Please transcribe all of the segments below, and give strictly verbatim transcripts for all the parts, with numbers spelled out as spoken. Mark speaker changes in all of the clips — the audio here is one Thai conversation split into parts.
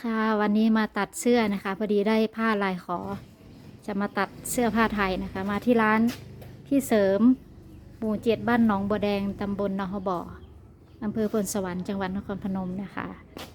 Speaker 1: ค่ะวันนี้มาตัดเสื้อนะคะพอดีได้ผ้าลายขอ จะมาตัดเสื้อผ้าไทยนะคะ มาที่ร้านพี่เสริมหมู่เจ็ดบ้านหนองบัวแดงตำบลนหบ่ออำเภอพลสวรรค์จังหวัดนครพนมนะคะ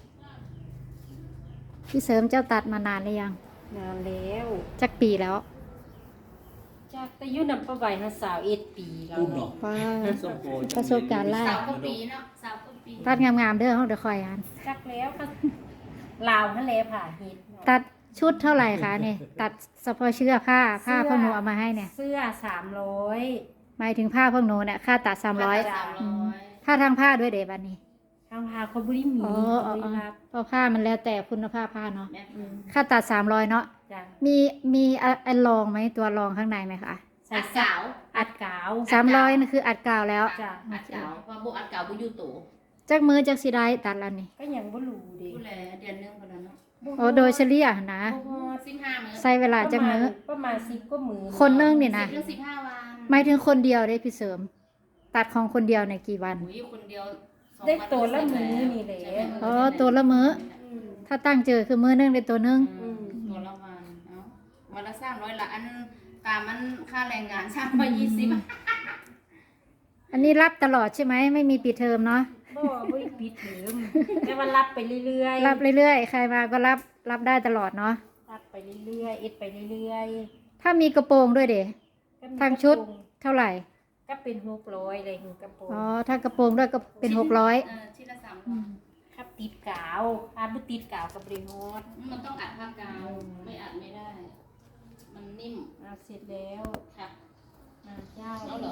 Speaker 1: พี่เสริมเจ้าตัดมานานหรือยัง
Speaker 2: นานแล้ว
Speaker 1: จักปีแล้ว
Speaker 2: จากแต่ยุนำประไว้นะสาวเอ็ดปีแล้ว
Speaker 3: อุ้มเนาะ
Speaker 1: ว้าประสบการณ์ล่า
Speaker 4: สาวก็ปีเนาะสาวก็ปี
Speaker 1: ตัดงามๆเด้อเขาเดี๋ยวคอยอ่าน
Speaker 2: จักแล้วก็ลาวทะเลผ่าเฮ็ดเนาะ
Speaker 1: ตัดชุดเท่าไหร่คะเนี่ยตัดเฉพาะเสื้อผ้าผ้าพวกหนูเอามาให้เนี่ย
Speaker 2: เสื้อสามร้อย
Speaker 1: หมายถึงผ้าพวกหนูเนี่ยค่าตัดสามร้อย
Speaker 4: สามร้อย
Speaker 1: ค่าทางผ้าด้วยเดี๋ยวบัดนี้
Speaker 2: ทางพาเขาบริมี
Speaker 1: อ๋อ
Speaker 2: เขา
Speaker 1: อ๋อบ
Speaker 2: ริ
Speaker 1: อ๋อ
Speaker 2: รับ
Speaker 1: เพราะผ้ามันแล้วแต่คุณภาพผ้าเนาะ
Speaker 4: แม่
Speaker 2: อืม
Speaker 1: ค่าตัดสามร้อยเนาะ
Speaker 2: จ้ะ
Speaker 1: มีมีอะอันรองไหมตัวรองข้างในไหมคะ
Speaker 2: ใส่
Speaker 4: อัด
Speaker 2: สา
Speaker 4: เก่าว
Speaker 2: อัดกาว
Speaker 1: สามร้อยนั่นคืออัดกาวแล้ว
Speaker 2: จ้ะ
Speaker 4: อัดเก่าว่าบุอัดเก่าบุยูตู
Speaker 1: จักมือจักสีได้ตัดแล้วนี่
Speaker 2: ก็ยังบ่รู้เด้
Speaker 4: ดูแลเดือนหนึงคนละเนาะ
Speaker 1: โอ้โดยเฉลี่ยนะ
Speaker 2: บ่ฮอด
Speaker 4: สิบห้ามื้อ
Speaker 1: ใช้เวลาจักมือ
Speaker 2: ประมาณสิบกว่ามือ
Speaker 1: คนนึงนี่
Speaker 4: สิ
Speaker 1: นะ
Speaker 4: บถึงสิบห้าวัน
Speaker 1: หมายถึงคนเดียวได้พี่เสริม ตัดของคนเดียวในกี่วัน
Speaker 4: หนูอยู่คนเดียวสอง
Speaker 2: ได้
Speaker 4: วัน
Speaker 2: ตัวละมือนี่แหละ
Speaker 4: ใช่ไหม
Speaker 1: อ๋อตัวละมื้อ
Speaker 2: อืม
Speaker 1: ถ้าตั้งเจอคือมือนึงได้ตัวนึง
Speaker 4: อืมตัวละวันเนาะวันละสามร้อยละอันตามมันค่าแรงงานสามร้อยยี่สิบ
Speaker 1: อันนี้รับตลอดใช่ไหมไม่มีปิดเทอมเนาะ
Speaker 2: บ่บ่ได้ปิดเทอมแต่ว่ารับไปเรื่อยๆ
Speaker 1: รับเรื่อยๆใครมาก็รับรับได้ตลอดเนาะ
Speaker 2: รับไปเรื่อยๆเอ็ดไปเรื่อย
Speaker 1: ถ้ามีกระโปรงด้วยเด๋
Speaker 2: ๆก็มี
Speaker 1: ทางชุด
Speaker 2: กระโปรง
Speaker 1: เท่าไหร่
Speaker 2: ก็เป็นหกร้อยอะไรหนึ่งกระโปรง
Speaker 1: อ๋อถ้ากระโปรงด้วยก็เป็นหกร้อย
Speaker 4: เออชิ้นละสามร้อย
Speaker 2: ครับติดกาวอาบุติดกาวกับบริโฮส
Speaker 4: มันต้องอัดผ้ากาวไม่อัดไม่ได้ มันนิ่ม
Speaker 2: เอาเสร็จแล้ว
Speaker 4: ค่ะ
Speaker 2: อ่าเจ้า
Speaker 4: แล้วเหรอ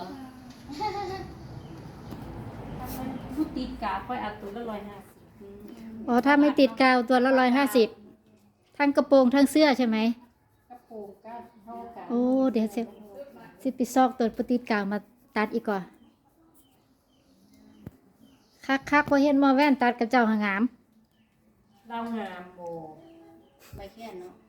Speaker 2: ถ้ามันบุติดกาวค่อยเอาตัวละร้อยห้าสิบ
Speaker 1: อ๋อถ้าไม่ติดกาวตัวละร้อยห้าสิบทั้งกระโปรงทั้งเสื้อใช่ไหม
Speaker 2: กระโปรงก็เท่ากัน
Speaker 1: โอ้เดี๋ยวเสร็จ สิไปซอกตัวปติดกาวมาตัดอีกก่อนคักคักพอเห็นหมอแว่นตัดกับเจ้าหางาม
Speaker 2: เรางามโบ
Speaker 4: ใบแค่นเนาะ